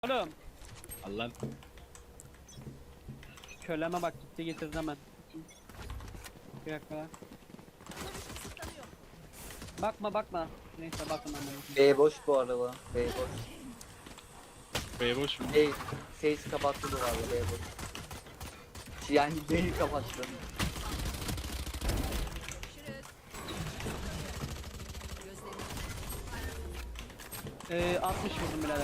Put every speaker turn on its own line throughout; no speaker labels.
Oğlum
Allah'ım.
köleme bak gitti getirdi hemen. Bir dakika lan. Bakma. Neyse bakın ama.
B boş bu araba. B boş.
Bey boş mu?
Face kapattı da abi B boş. Yani B'yi kapattı.
Ee, 60 vurdum birader.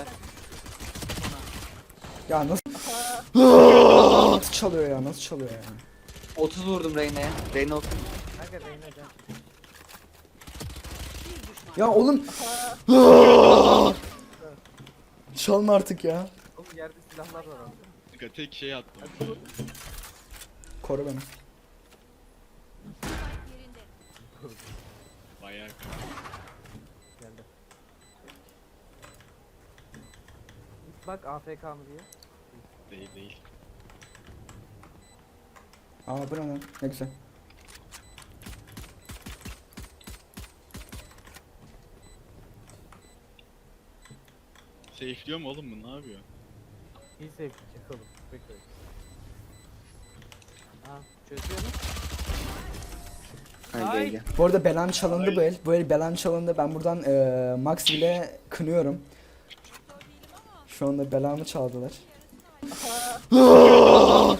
Ya nasıl nasıl çalıyor ya, nasıl çalıyor ya?
30 vurdum Reyna'ya. Reyna 30.
Ya oğlum çalma artık ya.
Oğlum yerde silahlar var abi.
Kanka tek şey attım.
Koru beni.
Bayağı
Geldi. Bak AFK mı diye.
değil.
Aa bu ne lan? Ne güzel.
Safe'liyor mu oğlum bu, ne yapıyor?
İyi sevdik oğlum. Bekle. Aa çözüyor mu?
Hadi
Ay.
gel.
Bu arada belam çalındı bu el. Bu el belam çalındı. Ben buradan Max bile kınıyorum. Şu anda belamı çaldılar.